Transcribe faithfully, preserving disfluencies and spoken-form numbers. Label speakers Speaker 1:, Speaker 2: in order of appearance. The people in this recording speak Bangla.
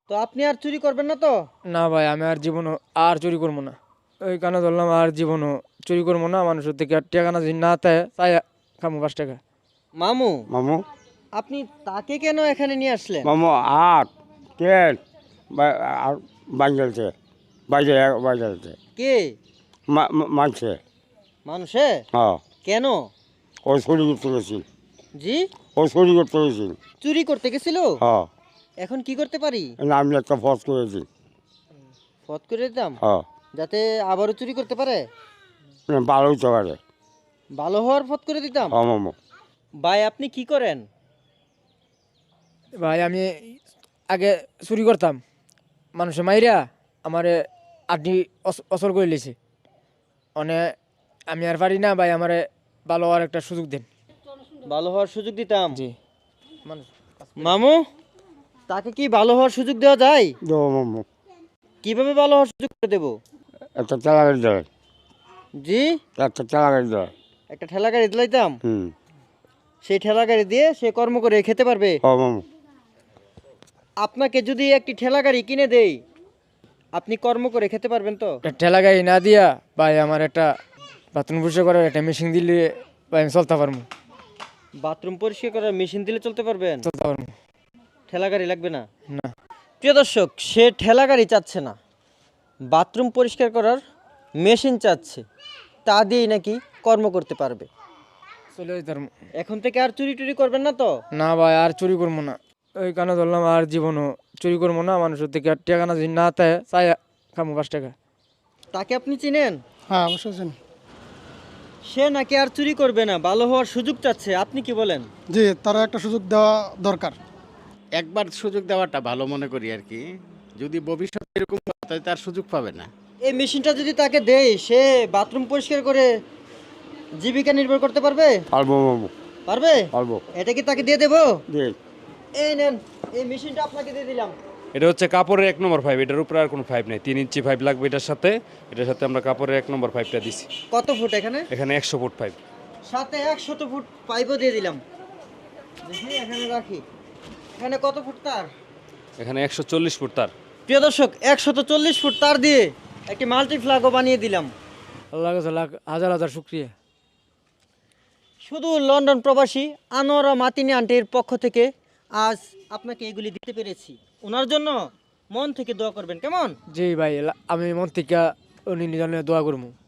Speaker 1: তো আপনি আর চুরি করবেন না তো?
Speaker 2: না ভাই, আমি আর জীবনও আর চুরি করবো না। ওই কারণে ধরলাম আর জীবনও চুরি করবো না। মানুষের থেকে আর টাকা না যদি না তাই তাই খামো পাঁচ টাকা।
Speaker 1: মামু,
Speaker 3: মামু
Speaker 1: আপনি তাকে কেন এখানে নিয়ে আসলেন?
Speaker 3: মামু আট তেল আর বাঞ্জলছে বাইরে বাজারছে
Speaker 1: কে?
Speaker 3: মানছে
Speaker 1: মানুষে?
Speaker 3: হ্যাঁ
Speaker 1: কেন?
Speaker 3: ও চুরি করতে গেছিল।
Speaker 1: জি?
Speaker 3: ও চুরি করতে গেছিল।
Speaker 1: চুরি করতে গেছিল?
Speaker 3: হ্যাঁ
Speaker 1: এখন কি করতে পারি?
Speaker 3: আমি একটা ফস করেছি।
Speaker 1: ফত করে দিতাম
Speaker 3: হ্যাঁ
Speaker 1: যাতে আবারও চুরি করতে পারে।
Speaker 3: ভালো হইতে পারে।
Speaker 1: ভালো হওয়ার ফত করে দিতাম।
Speaker 3: হ্যাঁ মামু
Speaker 1: ভাই আপনি কি করেন?
Speaker 2: ভাই আমি আগে চুরি করতাম, মানুষের মাইরা আমারে আড্ডি অসল করে লিছে। মানে আমি আর পারি না ভাই, আমারে ভালো হওয়ার একটা সুযোগ দেন।
Speaker 1: ভালো হওয়ার সুযোগ দিতাম।
Speaker 2: জি মানুষ
Speaker 1: মামু, তাকে কি ভালো হওয়ার সুযোগ দেওয়া যায়?
Speaker 3: দেবো মামু
Speaker 1: কিভাবে ভালো হওয়ার সুযোগ করে দেব?
Speaker 3: একটা চালা গাড়ি দেয়।
Speaker 1: জি?
Speaker 3: একটা চালা গাড়ি দেয়।
Speaker 1: একটা ঠেলা গাড়ি দিলাইতাম,
Speaker 3: হুম
Speaker 1: সেই ঠেলা গাড়ি দিয়ে সে কর্ম করে খেতে পারবে।
Speaker 3: হ্যাঁ মামু
Speaker 1: আপনাকে যদি একটি ঠেলা গাড়ি কিনে দেই, আপনি কর্ম করে খেতে পারবেন তো?
Speaker 2: একটা ঠেলা গাড়ি না দিয়া ভাই আমার একটা বাথরুম পরিষ্কার করার একটা মেশিন দিলে ভাই আমি চলতে পারবো।
Speaker 1: বাথরুম পরিষ্কার করার মেশিন দিলে চলতে পারবেন?
Speaker 2: চলতে পারবো
Speaker 1: ঠেলা গাড়ি লাগবে না?
Speaker 2: না।
Speaker 1: প্রিয় দর্শক, সে ঠেলা গাড়ি চাচ্ছে না, বাথরুম পরিষ্কার করার মেশিন চাচ্ছে, তা দিয়েই নাকি কর্ম করতে পারবে।
Speaker 2: চলে যেতে পারবো।
Speaker 1: এখন থেকে আর চুরি টুরি করবেন না তো?
Speaker 2: না ভাই, আর চুরি করবো না। ওই কারণে ধরলাম আর জীবনও চুরি করবো না। মানুষের থেকে আর টাকা না যদি না তাই তাই খামো পাঁচ টাকা।
Speaker 1: তাকে আপনি চিনেন?
Speaker 4: হ্যাঁ অবশ্যই জানি।
Speaker 1: সে নাকি আর চুরি করবে না, ভালো হওয়ার সুযোগ চাচ্ছে, আপনি কি বলেন?
Speaker 4: জি, তারা একটা সুযোগ দেওয়া দরকার।
Speaker 5: একবার সুযোগ দেওয়াটা ভালো মনে করি আর কি। যদি ভবিষ্যতে এরকম হয় তাহলে তার সুযোগ পাবে না।
Speaker 1: এই মেশিনটা যদি তাকে দেই, সে বাথরুম পরিষ্কার করে জীবিকা নির্ভর করতে পারবে?
Speaker 3: পারবো মামু
Speaker 1: পারবে?
Speaker 3: পারবো।
Speaker 1: এটা কি তাকে দিয়ে দেবো?
Speaker 3: দিয়ে
Speaker 1: এই নেন, এই মেশিনটা আপনাকে দিয়ে দিলাম।
Speaker 6: এটা হচ্ছে কাপড়ের এক নম্বর পাইপ, এটার উপরে আর কোনো পাইপ নেই। তিন ইঞ্চি পাইপ লাগবে এটার সাথে। এটার সাথে আমরা কাপড়ের এক নম্বর পাইপটা দিছি।
Speaker 1: কত ফুট এখানে?
Speaker 6: এখানে একশো ফুট পাইপ।
Speaker 1: সাথে একশত ফুট পাইপও দিয়ে দিলাম। দেখি এখানে রাখি। এখানে কত ফুট তার?
Speaker 6: এখানে একশো চল্লিশ ফুট তার।
Speaker 1: প্রিয় দর্শক, একশত চল্লিশ ফুট তার দিয়ে একটি মাল্টি ফ্ল্যাগও বানিয়ে দিলাম।
Speaker 2: আল্লাহ কাছে লাখ হাজার হাজার শুক্রিয়া।
Speaker 1: শুধু লন্ডন প্রবাসী আনোয়ারা মাতিনি আন্টির পক্ষ থেকে আজ আপনাকে এগুলি দিতে পেরেছি। ওনার জন্য মন থেকে দোয়া করবেন, কেমন?
Speaker 2: জি ভাই, আমি মন থেকে উনি নিজানে দোয়া করবো।